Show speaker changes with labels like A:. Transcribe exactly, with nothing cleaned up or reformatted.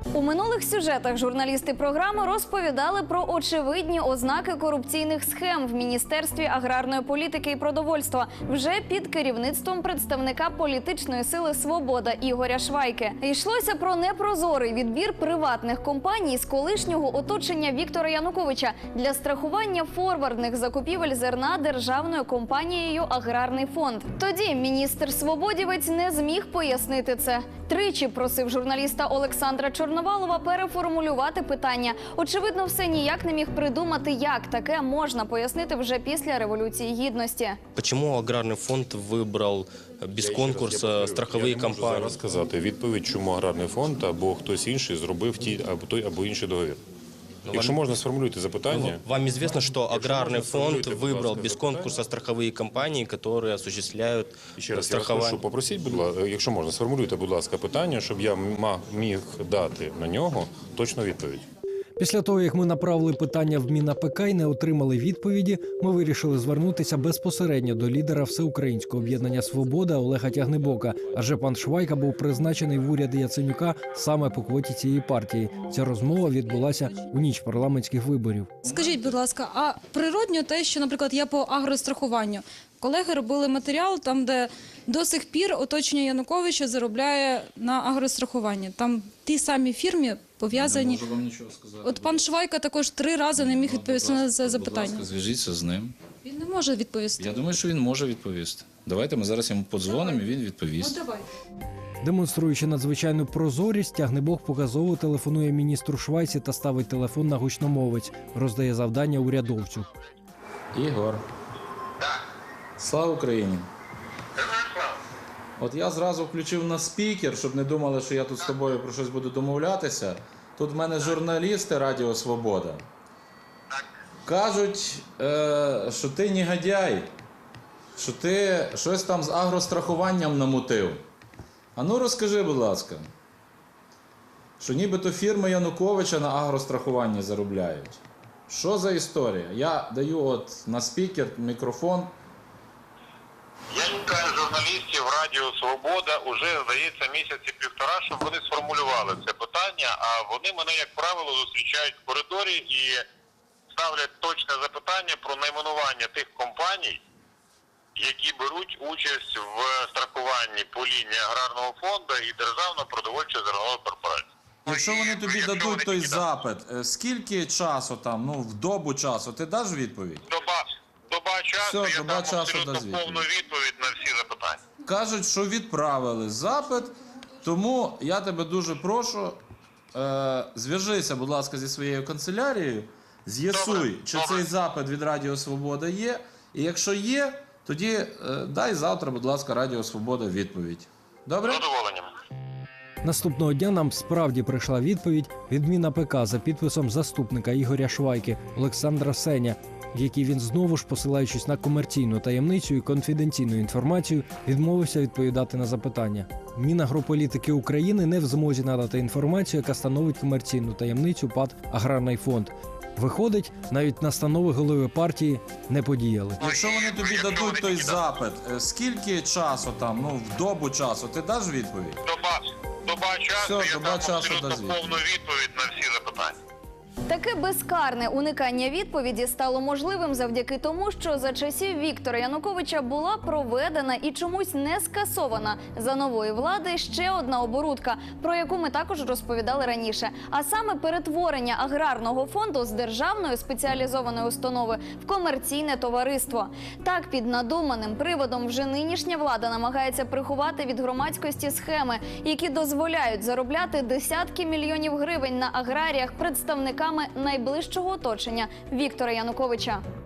A: У минулих сюжетах журналісти програми розповідали про очевидні ознаки корупційних схем в Міністерстві аграрної політики і продовольства вже під керівництвом представника політичної сили «Свобода» Ігоря Швайки. Йшлося про непрозорий відбір приватних компаній з колишнього оточення Віктора Януковича для страхування форвардних закупівель зерна державною компанією «Аграрний фонд». Тоді міністр Свободівець не зміг пояснити це. Тричі просив журналіста Олександра Чорноволова переформулювати питання. Очевидно, все ніяк не міг придумати, як таке можна пояснити вже після Революції Гідності.
B: Чому аграрний фонд вибрав без конкурсу страхові компанії?
C: Я не можу зараз сказати відповідь, чому аграрний фонд або хтось інший зробив ті або той або інший договір. Якщо можна, сформулюйте запитання.
B: Вам известно, что аграрный фонд выбрал без конкурса страховые компании, которые осуществляют страхование?
C: Прошу, попросіть, будь ласка, якщо можна, сформулюйте, будь ласка, питання, щоб я міг дати на нього точну відповідь.
D: Після того, як ми направили питання в Мін.АПК і не отримали відповіді, ми вирішили звернутися безпосередньо до лідера Всеукраїнського об'єднання «Свобода» Олега Тягнибока. Адже пан Швайка був призначений в уряд Яценюка саме по квоті цієї партії. Ця розмова відбулася у ніч парламентських виборів.
E: Скажіть, будь ласка, а природньо те, що, наприклад, я по агрострахуванню. Колеги робили матеріал, там, де до сих пір оточення Януковича заробляє на агрострахуванні. Там ті самі фірми пов'язані.
F: Не можу вам нічого сказати.
E: От пан Швайка також три рази не міг відповісти на це запитання.
F: Будь ласка, зв'яжіться з ним.
E: Він не може відповісти.
F: Я думаю, що він може відповісти. Давайте ми зараз йому подзвонимо, і він відповість.
E: Ну, давай.
D: Демонструючи надзвичайну прозорість, Тягнибок показово телефонує міністру Швайці та ставить телефон на гучномовець. Роздає завдання урядовцю.
F: Ігор. Слава Україні! От я зразу включив на спікер, щоб не думали, що я тут з тобою про щось буду домовлятися. Тут в мене журналісти Радіо Свобода. Кажуть, е, що ти негодяй, що ти щось там з агрострахуванням намутив. А ну розкажи, будь ласка, що нібито фірми Януковича на агрострахуванні заробляють. Що за історія? Я даю от на спікер мікрофон.
G: Я чекаю журналістів Радіо Свобода уже, здається, місяці півтора, щоб вони сформулювали це питання, а вони мене, як правило, зустрічають в коридорі і ставлять точне запитання про найменування тих компаній, які беруть участь в страхуванні по лінії аграрного фонду і Державної продовольчої зернової корпорації.
F: Якщо вони тобі
G: Якщо
F: дадуть
G: вони
F: той
G: такі
F: запит, скільки часу там, ну, в добу часу, ти даш відповідь?
G: Доба, доба часу,
F: Все,
G: я
F: доба
G: дам
F: часу
G: абсолютно
F: дасть відповідь.
G: повну відповідь на всі запитання.
F: Кажуть, що відправили запит, тому я тебе дуже прошу, е, зв'яжися, будь ласка, зі своєю канцелярією, з'ясуй,
G: Добре,
F: чи
G: добре.
F: цей запит від Радіо Свобода є, і якщо є, тоді е, дай завтра, будь ласка, Радіо Свобода відповідь. Добре?
G: З задоволенням.
D: Наступного дня нам справді прийшла відповідь від Мін.АПК за підписом заступника Ігоря Швайки Олександра Сеня, в якій він знову ж, посилаючись на комерційну таємницю і конфіденційну інформацію, відмовився відповідати на запитання. Мінагрополітики України не в змозі надати інформацію, яка становить комерційну таємницю ПАТ «Аграрний фонд». Виходить, навіть настанови голови партії не подіяли.
F: Якщо вони тобі дадуть той запит, е, скільки часу там, ну, в добу часу, ти даш відповідь?
G: Доба, доба часу,
F: Все,
G: я
F: доба
G: дам
F: часу
G: абсолютно
F: дасть відповідь.
G: повну відповідь на всі запитання.
A: Таке безкарне уникання відповіді стало можливим завдяки тому, що за часів Віктора Януковича була проведена і чомусь не скасована за нової влади ще одна оборудка, про яку ми також розповідали раніше. А саме перетворення аграрного фонду з державної спеціалізованої установи в комерційне товариство. Так, під надуманим приводом вже нинішня влада намагається приховати від громадськості схеми, які дозволяють заробляти десятки мільйонів гривень на аграріях представниками найближчого оточення Віктора Януковича.